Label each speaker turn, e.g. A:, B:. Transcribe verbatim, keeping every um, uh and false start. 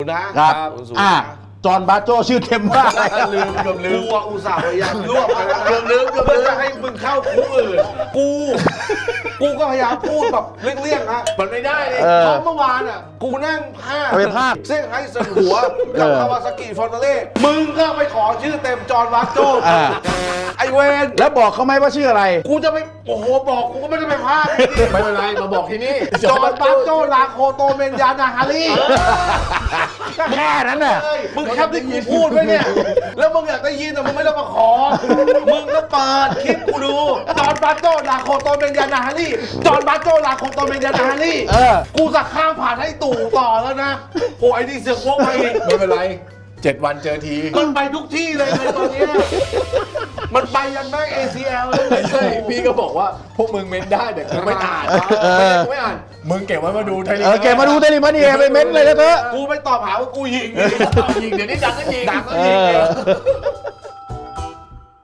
A: นะครับอ่าจอห์นบาโจชื่อเต็มว่าลืมเกือบลืม
B: กูอุตส่าห์พยายามรวบไปแล้วเกือบลืมเกือบลืมจะให้มึงเข้าคุกอื่นกูกูก็พยายามพูดแบบเลี่ยงๆนะมันไม่ได้เลยเพราะเมื่อวานอ่ะกูนั่งภาค
A: ไปภาค
B: เส้นไห้สันหัวกับคาวาซากิฟอนเตเล่มึงก็ไปขอชื่อเต็มจอห์นบาโจไอเวน
A: แล้วบอกเขาไหมว่าชื่ออะไร
B: กูจะไปโอ้โหบอกกูก็ไม่ได้ไปภาค
C: ไม่เป็นไรมาบอกที่นี่
B: จอห์นบาโจลาโคโตเมนยานาฮารี
A: แค่นั้นน่ะ
B: มึงแคปที่กูพูดไว้เนี่ย แล้วมึงอยากได้ยินแต่มึงไม่ต้องมาขอ มึงก็เปิดคลิปกูดู จอห์นบาโจลาโคโตเมนยานาฮารีจอห์นบาโจลาโคโตเมนยานาฮารี
A: เออ
B: กูจะข้ามผ่านให้ตู่ต่อแล้วนะโอ้ยไอ้นี่เสือกพวกมาอีก
C: ไม่เป็นไรเจ็ดวันเจอที
B: มันไปทุกที่เลยในตอนเนี้ยมันไปยันแม่ง เอ ซี แอล เลย
C: ไม่ใช่พี่ก็บอกว่าพวกมึงเม้นได้แต่กูไม่อ่านไม่ใช่กูไม่อ่านมึงเก็บไว้มาดูไทยลีก
A: เออเก็บมาดูเดลิมันนี่ไปเม้นเลยนะเถอะ
B: กูไม่ตอบหาว่ากูยิง
C: ยิงเดี๋ยวนี้ดังก็ยิง
B: ดังก็ยิง
A: เออ